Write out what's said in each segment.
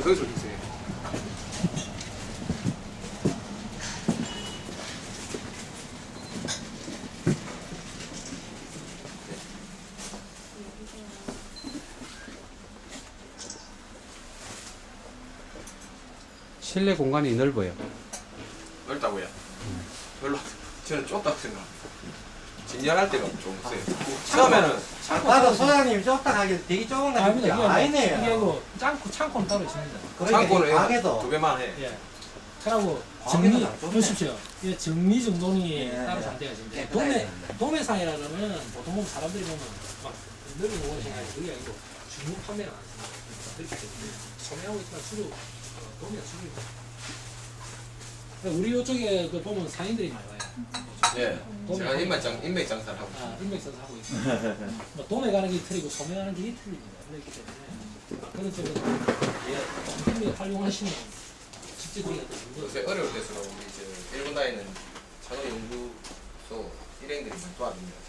거기서 주세요. 실내 공간이 넓어요. 넓다고요? 별로 저는 좁다고 생각. 진열할 때가 좀 세요. 처음에는 나도 소장님 좁다 하길 되게 좁은 거 아닙니다. 같은데 아니네요. 이게 뭐 창고는 따로 있습니다. 창고는 가게도 두 배만 해. 예. 그리고 과학에는 정리 안 좁네. 보십시오. 이 정리 정돈이 예, 따로 예. 잘 되어 있습니다. 깨끗하게 도매상이라 그러면 보통 보면 사람들이 보면 막 넓은 공원 생각이 그게 아니고 중국 판매는 안 씁니다. 그렇기 때문에 소매하고 있지만 주로 도매가 주로입니다. 우리 이쪽에 그 보면 상인들이 많이 와요. 예. 제가 인맥 장사를 하고 있어요. 인맥선수 하고 있어요. 뭐 도매 가는 길이 틀리고 소매 가는 길이 틀립니다. 그렇기 때문에 그런 쪽은 힘을 활용하시면 직접적인 요새 어려울 때수록 우리 이제 일본 다니는 자동 연구소 일행들이 많이 도와줍니다.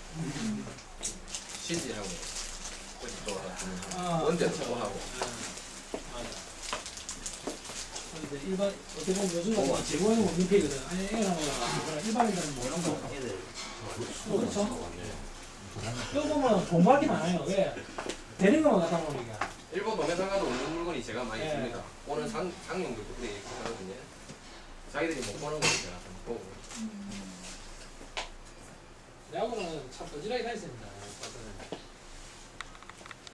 신지하고 또 하고 언제도 또 하고. 맞아. 이제 일반 어떻게 보면 요즘 같은 제공하는 민폐거든. 아니 애랑 일반인들은 뭐 이런 거. 그렇죠. 또 보면 공부할 게 많아요. 왜? 되는 것만 갖다 놓으니까. 일본 도매상 가도 없는 물건이 제가 많이 예. 줍니다. 오는 상용들도 그래 이렇게 하거든요. 자기들이 못 보는 거 제가 좀 보고. 내하고는 참 거지라게 다녔습니다.